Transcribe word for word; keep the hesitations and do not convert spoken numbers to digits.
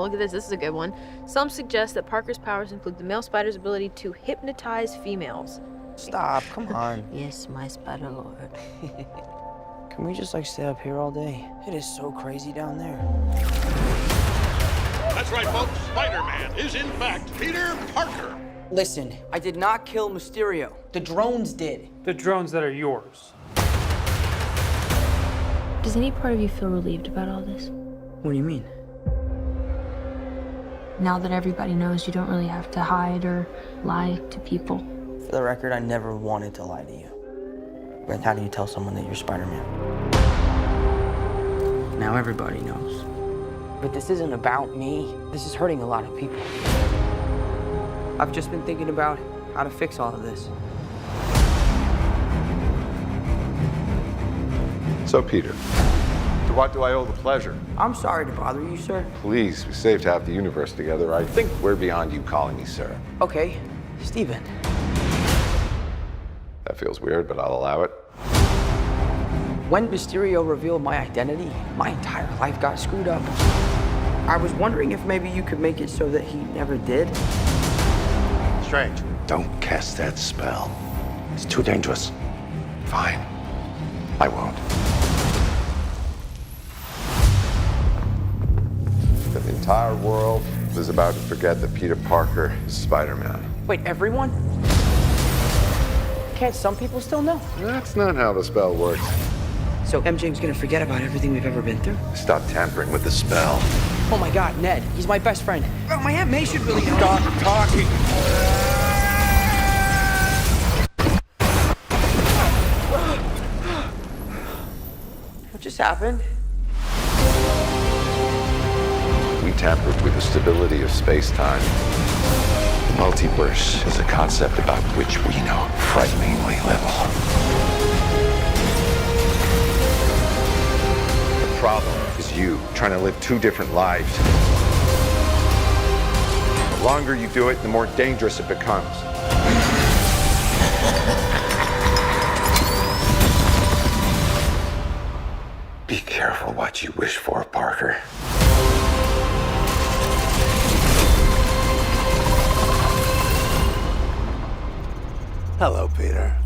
look at this. This is a good one. Some suggest that Parker's powers include the male spider's ability to hypnotize females. Stop, come on. Yes, my spider lord. Can we just like stay up here all day? It is so crazy down there. That's right, folks. Spider-Man is in fact Peter Parker. Listen, I did not kill Mysterio. The drones did. The drones that are yours. Does any part of you feel relieved about all this? What do you mean? Now that everybody knows, you don't really have to hide or lie to people. For the record, I never wanted to lie to you. But how do you tell someone that you're Spider-Man? Now everybody knows. But this isn't about me. This is hurting a lot of people. I've just been thinking about how to fix all of this. So, Peter, to what do I owe the pleasure? I'm sorry to bother you, sir. Please, we saved half the universe together. I think we're beyond you calling me sir. Okay, Steven. That feels weird, but I'll allow it. When Mysterio revealed my identity, my entire life got screwed up. I was wondering if maybe you could make it so that he never did. Strange. Don't cast that spell. It's too dangerous. Fine. I won't. The entire world is about to forget that Peter Parker is Spider-Man. Wait, everyone? Can't some people still know? That's not how the spell works. So M J's gonna forget about everything we've ever been through? Stop tampering with the spell. Oh my God, Ned, he's my best friend. Oh, my Aunt May should really know. Stop talking. What just happened? We tampered with the stability of space-time. The multiverse is a concept about which we know frighteningly little. The problem is you trying to live two different lives. The longer you do it, the more dangerous it becomes. Be careful what you wish for, Parker. Hello, Peter.